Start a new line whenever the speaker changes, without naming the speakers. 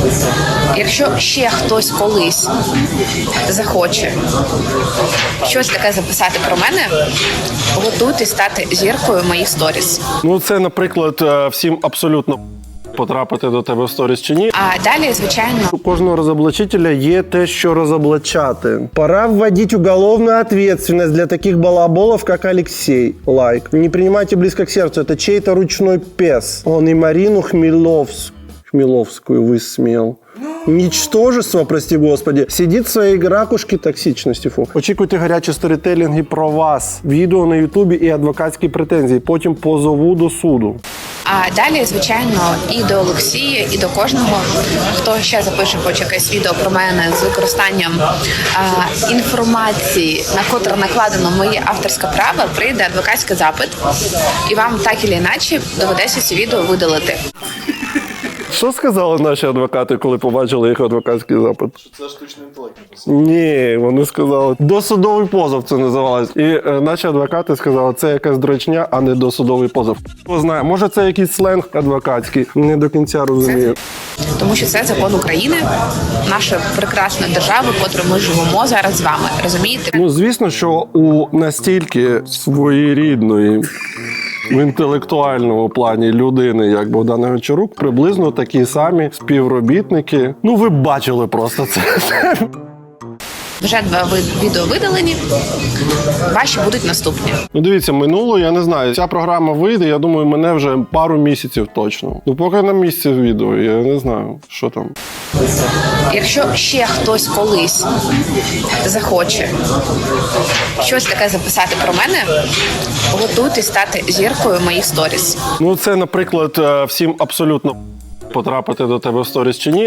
Якщо ще хтось колись захоче щось таке записати про мене, готуйтесь стати зіркою моїх сторіс.
Ну, це, наприклад, всім абсолютно потрапити до тебе в сторіс чи ні.
А далі, звичайно,
У кожного розоблачителя є те, що розоблачати. Пора вводить уголовную ответственность для таких балаболов, как Алексей. Лайк. Не принимайте близко к сердцу, это чей-то ручной пес. Он и Марину Хмеловскую высмеял. Ничтожество, прости господи, сидит в своей ракушке токсичності. Фу. Очікуйте гарячі сторітелінги про вас, відео на ютубі і адвокатські претензії. Потім позову до суду.
а далі, звичайно, і до Олексія, і до кожного, хто ще запише хоч якесь відео про мене з використанням інформації, на котре накладено моє авторське право, прийде адвокатський запит, і вам так і іначе доведеться ці відео видалити.
Що сказали наші адвокати, коли побачили їх адвокатський запит?
Це штучний інтелект.
Ні, вони сказали, досудовий позов це називалось. І наші адвокати сказали, це якась дрочня, а не досудовий позов. Хто знає, може це якийсь сленг адвокатський, не до кінця розумію.
Тому що це закон України, нашої прекрасної держави, в котрій ми живемо зараз з вами. Розумієте?
Ну, звісно, що у настільки своєрідної в інтелектуальному плані людини, як Богдан Гончарук, приблизно такі самі співробітники. Ну, ви бачили просто це.
Вже 2 відео видалені, ваші будуть наступні.
Ну, дивіться, минуло, я не знаю, ця програма вийде, я думаю, мене вже пару місяців точно. Ну, поки на місці відео, я не знаю, що там.
Якщо ще хтось колись захоче щось таке записати про мене, готуйтесь стати зіркою моїх сторіс.
Ну, це, наприклад, всім абсолютно потрапити до тебе в сторіс чи ні.